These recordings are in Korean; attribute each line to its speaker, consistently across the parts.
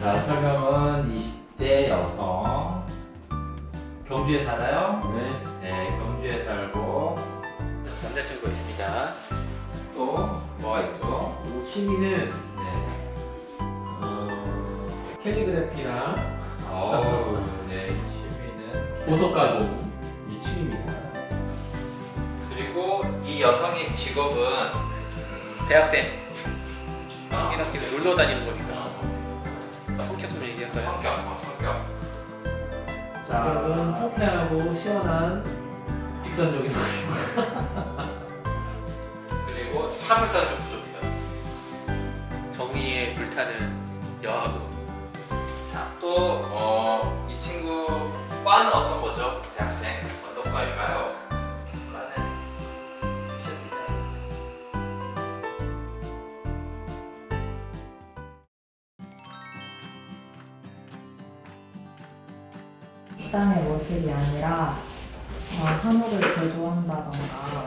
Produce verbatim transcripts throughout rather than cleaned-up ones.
Speaker 1: 자, 설명은 이십 대 여성. 경주에 살아요?
Speaker 2: 네.
Speaker 1: 네, 경주에 살고.
Speaker 2: 남자친구가 있습니다.
Speaker 1: 또 뭐가 있죠?
Speaker 2: 이 취미는
Speaker 1: 네.
Speaker 2: 어, 캘리그래피랑
Speaker 1: 어우, 네, 취미는.
Speaker 2: 보석 가공 이 취미입니다.
Speaker 1: 그리고 이 여성의 직업은 음,
Speaker 2: 대학생.
Speaker 1: 아.
Speaker 2: 학기학기도 놀러 다니는 거니까. 아, 성격 좀 얘기할까요?
Speaker 1: 성격, 어, 성격.
Speaker 2: 성격은 통쾌하고 시원한 직선적인 성격.
Speaker 1: 그리고 참을성이 좀 부족해요.
Speaker 2: 정의에 불타는 여하고.
Speaker 1: 자, 또, 어, 이 친구 과는 어떤 거죠? 대학생. 어떤 과일까요? 과는 패션 디자인.
Speaker 3: 식당의 모습이 아니라 어, 한우를 개조한다던가.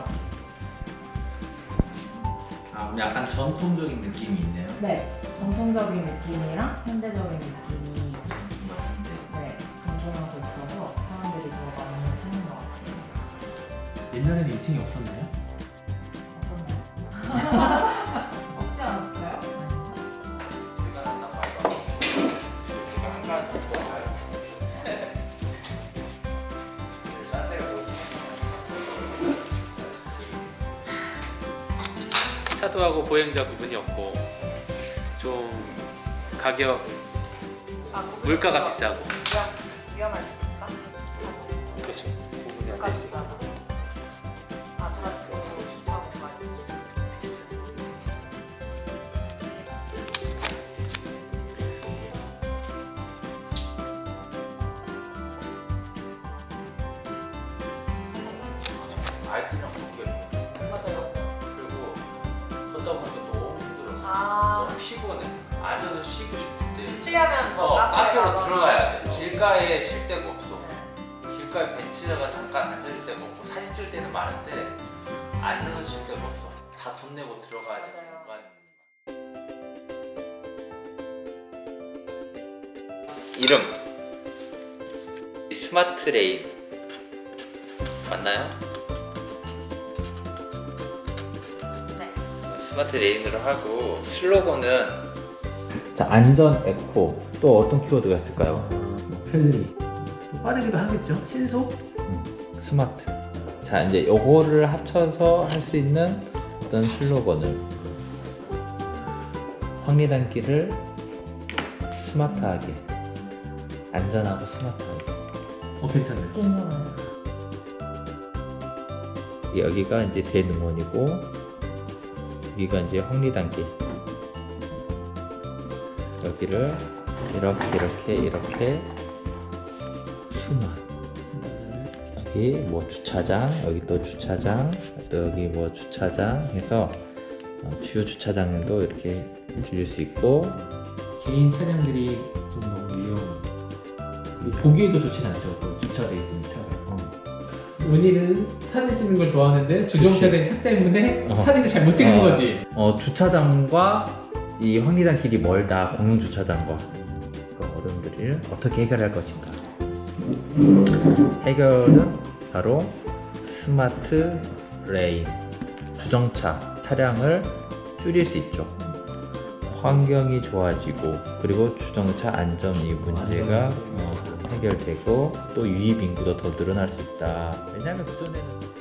Speaker 1: 아, 약간 전통적인 느낌이 있네요.
Speaker 3: 네, 전통적인 느낌이랑 현대적인 느낌이 네, 공존하고 있어서 사람들이 더 많이 찾는 것 같아요.
Speaker 2: 옛날에는 이 층이 없었나요?
Speaker 3: 어떤가요? 없지 않았어요?
Speaker 1: 제가 한단 말이야. 제가 한 가지 더 봐요. 딴 데가 어디
Speaker 2: 차도하고 보행자 구분이 없고 좀 가격
Speaker 4: 아,
Speaker 2: 물가가 비싸고.
Speaker 4: 위험, 위험할 수 있다.
Speaker 2: 그렇죠.
Speaker 4: 물가 비싸다. 아, 차 지금 저거 주차 공간이.
Speaker 1: 아이티랑 먹기가 좀
Speaker 4: 맞아요, 맞아요.
Speaker 1: 그리고 걷다 보니까 너무 힘들었어.
Speaker 4: 아,
Speaker 1: 너무 피곤해. 앉아서 쉬고 싶을 때
Speaker 4: 쉬려면 뭐
Speaker 1: 어, 카페로
Speaker 4: 가거나.
Speaker 1: 들어가야 돼. 길가에 쉴 데가 없어. 길가에 벤치다가 잠깐 앉을 데가 없고 사진 찍을 때는 많은데 앉아서 쉴 데가 없어. 다 돈 내고 들어가야 돼.
Speaker 4: 맞아요.
Speaker 1: 이름 스마트 레인 맞나요?
Speaker 4: 네.
Speaker 1: 스마트 레인으로 하고 슬로건은 자, 안전 에코 또 어떤 키워드가 있을까요?
Speaker 2: 편리. 또 빠르기도 하겠죠. 신속.
Speaker 1: 스마트. 자, 이제 요거를 합쳐서 할 수 있는 어떤 슬로건을 황리단길을 스마트하게 안전하고 스마트하게
Speaker 2: 어 괜찮네.
Speaker 3: 괜찮아요.
Speaker 1: 여기가 이제 대능원이고 여기가 이제 황리단길 여기를 이렇게 이렇게 이렇게 스마트 여기 뭐 주차장, 여기 또 주차장, 또 여기 뭐 주차장 해서 어, 주요 주차장도 이렇게 들릴 수 있고
Speaker 2: 개인 차량들이 좀 너무 위험. 그리고 보기에도 좋진 않죠. 또 주차돼 있으면 차가.
Speaker 1: 어,
Speaker 2: 은희는 사진 찍는 걸 좋아하는데 주정차된 차 때문에
Speaker 1: 어.
Speaker 2: 사진을 잘 못 찍는
Speaker 1: 어.
Speaker 2: 거지.
Speaker 1: 어, 주차장과 이 황리단길이 멀다. 공용 주차장과 그 어려움들을 어떻게 해결할 것인가? 해결은 바로 스마트 레인 주정차 차량을 줄일 수 있죠. 환경이 좋아지고 그리고 주정차 안전 이 문제가 어, 해결되고 또 유입 인구도 더 늘어날 수 있다. 왜냐하면 그전에는